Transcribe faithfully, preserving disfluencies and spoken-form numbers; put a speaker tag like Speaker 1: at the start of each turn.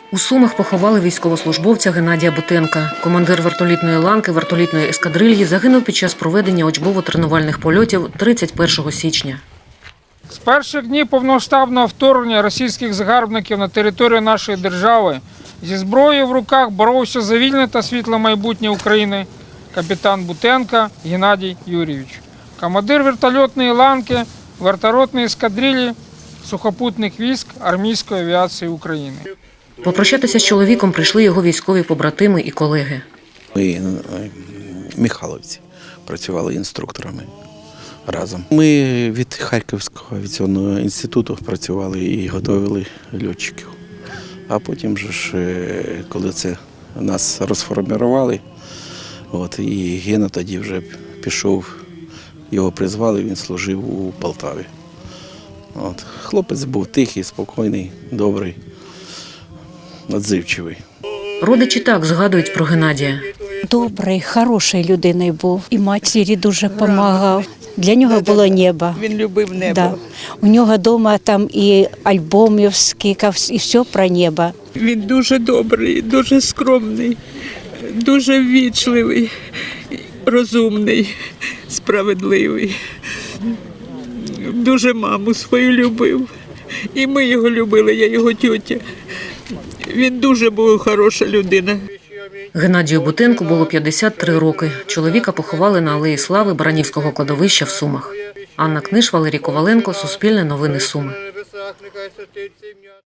Speaker 1: У Сумах поховали військовослужбовця Геннадія Бутенка. Командир вертолітної ланки вертолітної ескадрильї загинув під час проведення учбово-тренувальних польотів тридцять першого січня.
Speaker 2: З перших днів повномасштабного вторгнення російських загарбників на територію нашої держави зі зброєю в руках боровся за вільне та світле майбутнє України капітан Бутенко Геннадій Юрійович, командир вертольотної ланки вертольотної ескадрилі сухопутних військ армійської авіації України.
Speaker 1: Попрощатися з чоловіком прийшли його військові побратими і колеги.
Speaker 3: Ми в Михайловці працювали інструкторами разом. Ми від Харківського авіаційного інституту працювали і готували льотчиків. А потім, же ж, коли це нас розформували, от, і Гена тоді вже пішов, його призвали, він служив у Полтаві. От. Хлопець був тихий, спокійний, добрий, відзивчивий.
Speaker 1: Родичі так згадують про Геннадія.
Speaker 4: Добрий, хороший людиною був. І матері дуже допомагав. Для нього було небо.
Speaker 5: Він любив небо.
Speaker 4: Да. У нього вдома там і альбомів скільки, і все про небо.
Speaker 5: Він дуже добрий, дуже скромний, дуже ввічливий, розумний, справедливий. Дуже маму свою любив. І ми його любили, я його тьотя. Він дуже був хороша людина.
Speaker 1: Геннадію Бутенку було п'ятдесят три роки. Чоловіка поховали на Алеї Слави Баранівського кладовища в Сумах. Анна Книж, Валерій Коваленко, Суспільне новини Суми.